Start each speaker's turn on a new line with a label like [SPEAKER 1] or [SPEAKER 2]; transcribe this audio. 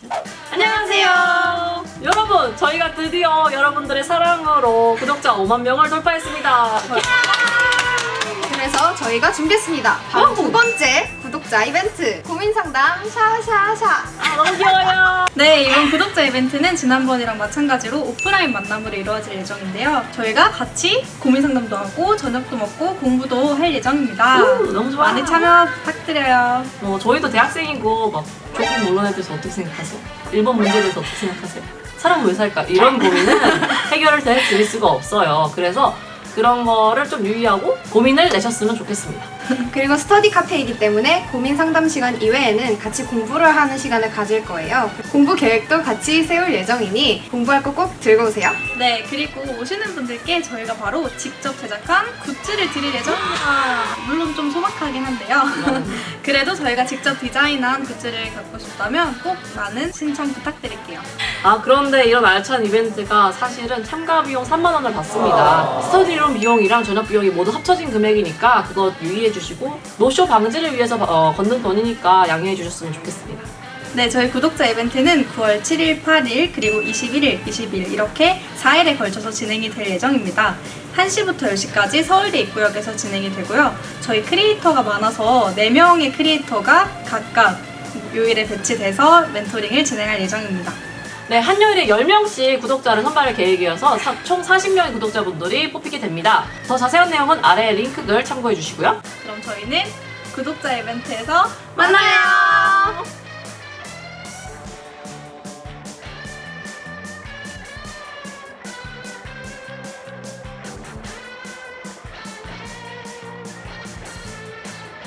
[SPEAKER 1] 안녕하세요. 여러분, 저희가 드디어 여러분들의 사랑으로 구독자 5만 명을 돌파했습니다.
[SPEAKER 2] 그래서 저희가 준비했습니다. 바로 두 번째 구독자 이벤트 고민상담 샤샤샤.
[SPEAKER 1] 너무 귀여워요.
[SPEAKER 3] 네, 이번 구독자 이벤트는 지난번이랑 마찬가지로 오프라인 만남으로 이루어질 예정인데요. 저희가 같이 고민 상담도 하고 저녁도 먹고 공부도 할 예정입니다.
[SPEAKER 1] 너무 좋아요.
[SPEAKER 3] 많이 참여 부탁드려요.
[SPEAKER 1] 저희도 대학생이고 막 조금 논란에 대해서 어떻게 생각하세요? 1번 문제에 대해서 어떻게 생각하세요? 사람은 왜 살까? 이런 고민은 해결을 드릴 수가 없어요. 그래서 그런 거를 좀 유의하고 고민을 내셨으면 좋겠습니다.
[SPEAKER 2] 그리고 스터디 카페이기 때문에 고민 상담 시간 이외에는 같이 공부를 하는 시간을 가질 거예요. 공부 계획도 같이 세울 예정이니 공부할 거 꼭 들고 오세요.
[SPEAKER 3] 네, 그리고 오시는 분들께 저희가 바로 직접 제작한 굿즈를 드릴 예정입니다. 물론 좀 소박하긴 한데요. 그래도 저희가 직접 디자인한 굿즈를 갖고 싶다면 꼭 많은 신청 부탁드릴게요.
[SPEAKER 1] 그런데 이런 알찬 이벤트가 사실은 참가 비용 3만 원을 받습니다. 스터디룸 비용이랑 저녁 비용이 모두 합쳐진 금액이니까 그거 유의해 주시고 노쇼 방지를 위해서 걷는 돈이니까 양해해 주셨으면 좋겠습니다.
[SPEAKER 3] 네, 저희 구독자 이벤트는 9월 7일, 8일, 그리고 21일, 20일 이렇게 4일에 걸쳐서 진행이 될 예정입니다. 1시부터 10시까지 서울대 입구역에서 진행이 되고요. 저희 크리에이터가 많아서 4명의 크리에이터가 각각 요일에 배치돼서 멘토링을 진행할 예정입니다.
[SPEAKER 1] 네, 한 요일에 10명씩 구독자를 선발할 계획이어서 총 40명의 구독자분들이 뽑히게 됩니다. 더 자세한 내용은 아래 링크글 참고해 주시고요.
[SPEAKER 3] 그럼 저희는 구독자 이벤트에서
[SPEAKER 2] 만나요.